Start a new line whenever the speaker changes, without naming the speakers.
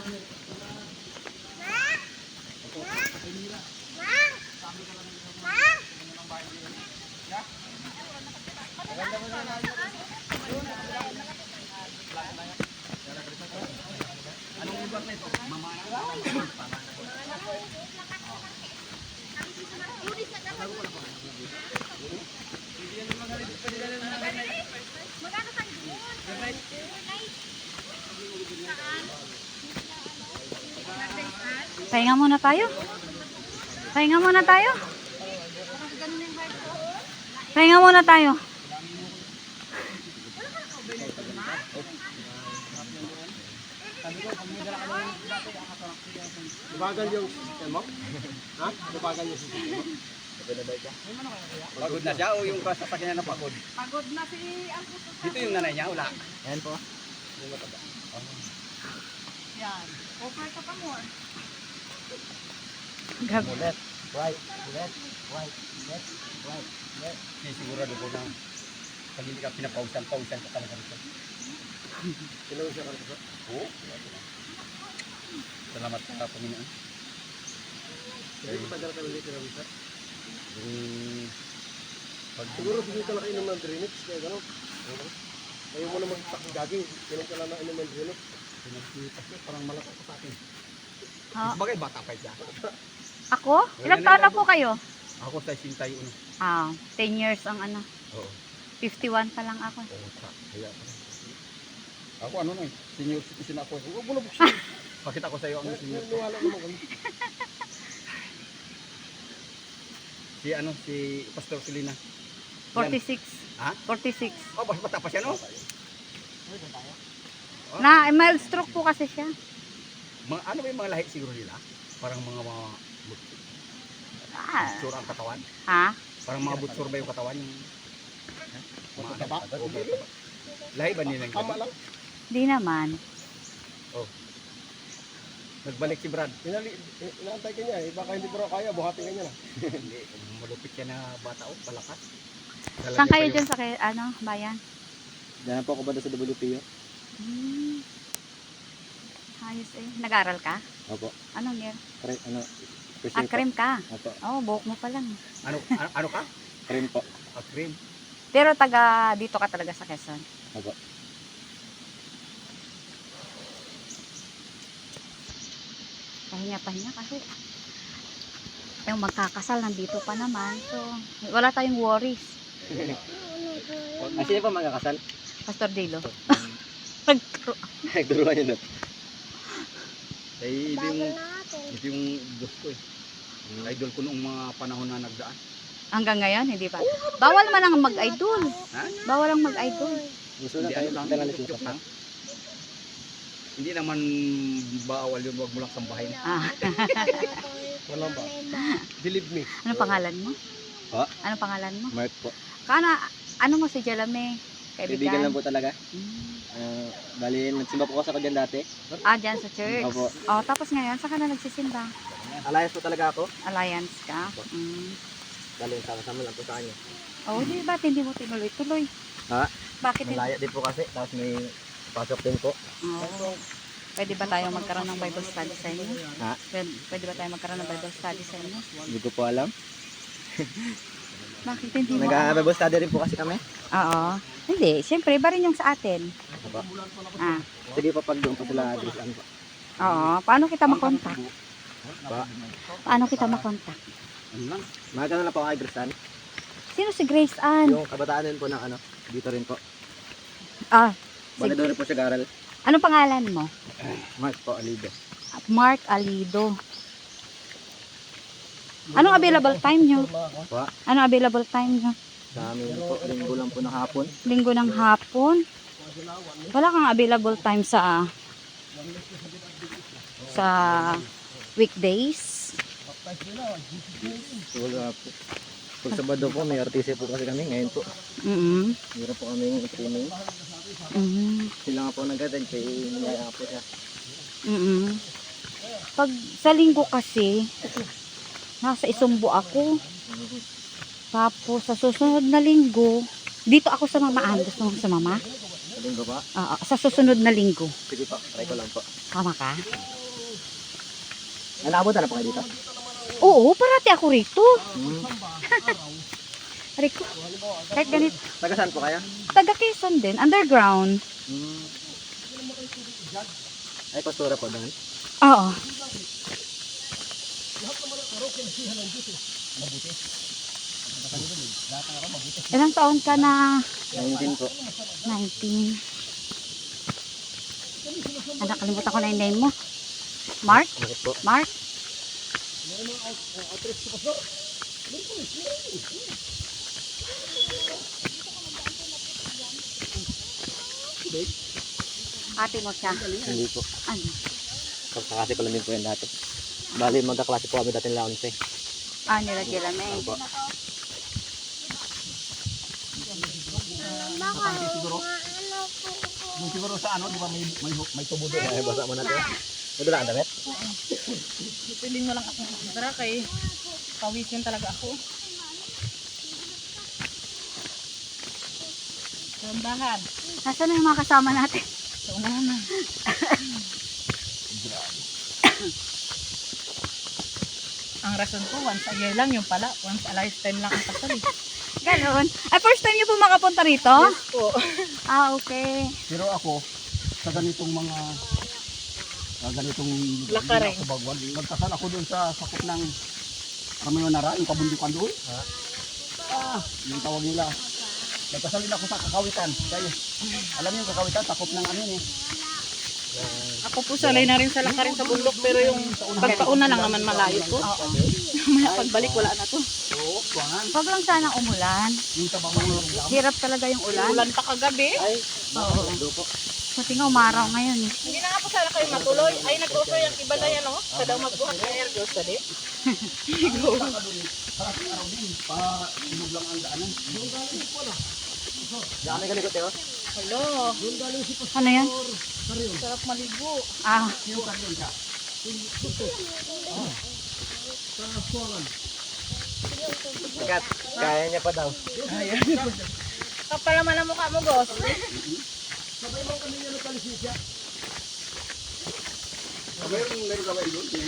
Pahinga muna tayo. Pahinga muna tayo. Pahinga muna tayo.
Bagal yung system mo? Ha? Bagal yung system mo?
Pagod na siya o yung sasakyan na pagod?
Pagod na si Alputo.
Dito yung nanay niya, wala.
Ayan po.
Yan. Offer ka pa more.
Left, right, left, right, left, right, left.
Hindi sigurado ko na pag hindi ka pinapausan ka talaga rito.
Tinawag siya kanina.
Oo. Salamat sa Panginoon.
Hindi pa dala kami dito na bisa.
Pag
Siguro hindi ka nakainom ng drainage, kaya gano'n. Ayaw mo na mag-jogging, ganun ka lang nakainom ng drainage.
parang malaki sa akin.
Ha?
Bagay bata pa siya.
Ako? Ilang taon na po kayo?
Ako sa 61.
10 years ang ano.
Oo.
51 pa lang ako.
Oo, kaya pa. Ako ano na eh, senior citizen ako. Huwag mo na buksin. Pakita ko sa iyo ang senior.
Niwala naman kami.
Si Pastor Selena.
46.
Ha?
46.
Oh, bata pa siya no?
Na mild stroke po kasi siya.
Ano ba yung mga lahi siguro nila? Parang mga butsura ang katawan.
Ha?
Parang mga butsura ba yung katawan? Yung mga
Mataba?
Oo, mataba. Lahi ba nila?
Tama lang.
Di naman.
Oh. Nagbalik si Brad.
Inaantay ka niya eh. Baka hindi pero kaya, buhatin ka niya na.
Hindi, malupit siya na bata o palakas.
Saan kayo dyan sa bayan?
Diyan po ako ba sa WPO?
Ayos eh. Nag-aral ka?
Opo.
Anong year?
Ano?
Cream ka?
Opo.
Oh, buhok mo pa lang.
Ano ka?
Cream po.
Cream.
Pero taga dito ka talaga sa Quezon.
Opo.
Pahinga kasi yung magkakasal nandito pa naman. So, wala tayong worries.
Sino pa magkakasal?
Pastor Dilo.
Nagturuan niya doon.
Eh, ito yung boss ko eh. Idol ko noong mga panahon na nagdaan.
Hanggang ngayon, hindi pa. Bawal man ang mag-idol.
Ha?
Bawal ang mag-idol.
Gusto na
Hindi,
tayo
ano lang,
dala na
joke lang. Hindi naman bawal yun, wag mo lang sambahin.
Walang ba? Believe me.
Ano pangalan mo?
Ha?
Ano pangalan mo?
Mark po.
Ano mo si Jalame?
Kaibigan lang
Kaibigan?
po talaga. Bali, nagsimba po ako sa dyan dati.
Dyan sa church.
Opo.
Oh, tapos ngayon, saan ka na nagsisimba?
Alliance po talaga ako.
Alliance ka?
Bali, sama-sama lang po sa kanya.
Oh, di ba hindi mo tinuloy-tuloy?
Ha?
Bakit hindi?
Malaya din po kasi. Tapos may pasok din po.
Oh. Pwede ba tayo magkaroon ng Bible study sa inyo?
Ha?
Pwede ba tayo magkaroon ng Bible study sa inyo?
Hindi ko po alam.
Bakit hindi mo?
Nag-Bible study rin po kasi kami.
Oo. Hindi, siyempre, iba rin yung sa atin.
Opo.
Ah.
Sige pa pag doon po sila address ano po.
Oo. Paano kita makontak?
Pa.
Paano kita makontak?
Ano lang?
Magkano na po ang address ano?
Sino si Grace Ann?
Yung kabataan din po ng ano. Dito rin po.
Ah,
Bali doon rin po siya garal.
ano pangalan mo?
Mark po, Alido.
Mark Alido. Anong available time nyo?
Pa.
Anong available time nyo?
Sa amin po, linggo lang po ng hapon.
Linggo ng hapon? Wala kang available time sa weekdays?
Wala po. Pag Sabado po, may RTC po kasi kami ngayon po. Meron po kami yung training. Sila nga po nag-attend kay niyaya po siya.
Pag sa linggo kasi, nasa Isumbo ako. Tapos sa susunod na linggo, dito ako sa mamaan. Gusto mo sa mama?
Linggo pa?
Oo, sa susunod na linggo.
Sige po, try ko lang po.
Tama ka?
Nalabot na po kayo dito?
Oo, parati ako rito.
Hmm.
Riko. Kahit ganito.
Taga saan po kayo?
Taga Quezon din. Underground.
Hmm. Ay, pastura po doon.
Oo. Ilang taon ka na?
19 po.
19. Nakalimutan ko na yung name mo. Mark?
Bakit po?
Mark? Ate mo siya.
Hindi po.
Ano?
Kaklase ko lang din po yan dati. Bali, magkaklase po kami dati nila 11.
Nila Jelame.
Opo.
Yung siguro sa ano, di ba may tubo doon.
Ay, basa mo natin. Madala ang damit?
Piling mo lang ako. Tara kay pawisin talaga ako. Ramdahan.
Nasaan na yung mga kasama natin?
Sa unahan na. Ang rason ko, once a year lang yung pala. Once a lifetime lang ang kasal.
Ganon. Ay, first time niyo po makapunta rito?
Yes po.
Okay.
Pero ako, sa ganitong mga ganitong
Lakaring.
sa Bagwan, nagkasal ako doon sa sakop ng Ramayonara, yung kabundukan doon. Yung tawag nila. Nagkasal din ako sa Kakawitan. Kaya, alam niyo yung Kakawitan, sakop ng ano yun eh.
Ako po salay na rin sa lakarin sa bundok pero yung pagpauna lang naman malayo po. Maya pagbalik wala na to.
Oo, kuwangan.
Huwag lang sana umulan.
Yung tabang
Hirap talaga yung ulan.
Ulan pa kagabi.
Ay, oo. Po.
Kasi nga umaraw ngayon.
Hindi na nga po sana kayo matuloy. Ay nag-offer yung iba na yan, no? Sa daw magbuhat ng air girls dali.
inog lang ang daanan.
Diyan kami galikot eh.
Hello.
Ano yan?
Sarap maligo.
Sikat, kaya niya pa daw.
Kapal naman ang mukha mo, boss.
Meron gawin doon.